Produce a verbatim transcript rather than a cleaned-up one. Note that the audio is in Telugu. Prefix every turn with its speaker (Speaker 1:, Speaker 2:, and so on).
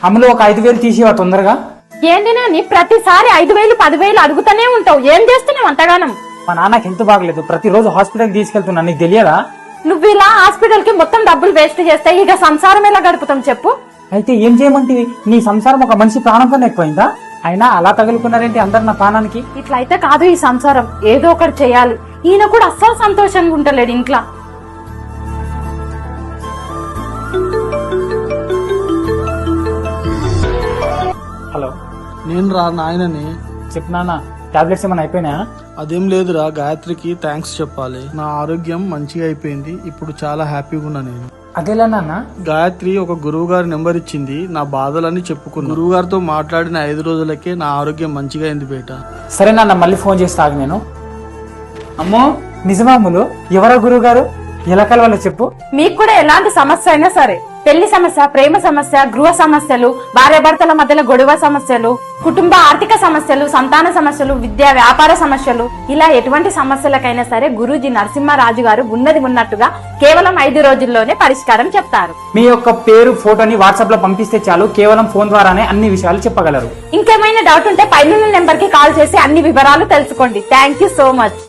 Speaker 1: అమ్మలో ఒక ఐదు వేలు తీసివా తొందరగా.
Speaker 2: ఏంటి నాని ప్రతిసారి ఐదు వేలు పదివేలు అడుగుతూనే ఉంటావు, ఏం చేస్తున్నావు అంతగానం?
Speaker 1: మా నాన్నకి హెల్త్ బాగలేదు, ప్రతిరోజు హాస్పిటల్ తీసుకెళ్తున్నా, నీకు తెలియదా?
Speaker 2: నువ్వు ఇలా హాస్పిటల్ కి మొత్తం డబ్బులు వేస్ట్ చేస్తే ఇక సంసారం ఎలా గడుపుతాం చెప్పు?
Speaker 1: అయితే ఏం చేయమంటివి? నీ సంసారం ఒక మనిషి ప్రాణం కన్నా ఎక్కువైందా? అయినా అలా తగులుకున్నారేంటి అందరు నా ప్రాణానికి?
Speaker 2: ఇట్లయితే కాదు ఈ సంసారం, ఏదో ఒకటి చేయాలి. ఈయన కూడా అస్సలు సంతోషంగా ఉంటలేడు ఇంట్లో.
Speaker 1: హలో,
Speaker 3: నేను రా నాయనని.
Speaker 1: చెప్పు నాన్న, టాబ్లెట్స్ ఏమైనా అయిపోయినాయా?
Speaker 3: అదేం లేదురా, గాయత్రికి థ్యాంక్స్ చెప్పాలి. నా ఆరోగ్యం మంచిగా అయిపోయింది, ఇప్పుడు చాలా హ్యాపీగా ఉన్నా నేను.
Speaker 1: అదేలా నాన్న?
Speaker 3: గాయత్రి ఒక గురువు గారి నెంబర్ ఇచ్చింది, నా బాధలన్నీ చెప్పుకున్నా. గురువు గారితో మాట్లాడిన ఐదు రోజులకే నా ఆరోగ్యం మంచిగా అయింది బేట.
Speaker 1: సరే నాన్న, మళ్ళీ ఫోన్ చేస్తాను నేను. అమ్మో నిజమాములు, ఎవరా గురువు గారు? ఎలా కలవాలో చెప్పు.
Speaker 2: మీకు కూడా ఎలాంటి సమస్య అయినా సరే, పెళ్లి సమస్య, ప్రేమ సమస్య, గృహ సమస్యలు, భార్యాభర్తల మధ్యలో గొడవ సమస్యలు, కుటుంబ ఆర్థిక సమస్యలు, సంతాన సమస్యలు, విద్యా వ్యాపార సమస్యలు, ఇలా ఎటువంటి సమస్యలకైనా సరే గురూజీ నరసింహరాజు గారు ఉన్నది ఉన్నట్టుగా కేవలం ఐదు రోజుల్లోనే పరిష్కారం చెప్తారు.
Speaker 1: మీ యొక్క పేరు, ఫోటోని వాట్సాప్ లో పంపిస్తే చాలు, కేవలం ఫోన్ ద్వారానే అన్ని విషయాలు చెప్పగలరు.
Speaker 2: ఇంకేమైనా డౌట్ ఉంటే పైన నెంబర్ కి కాల్ చేసి అన్ని వివరాలు తెలుసుకోండి. Thank you so much.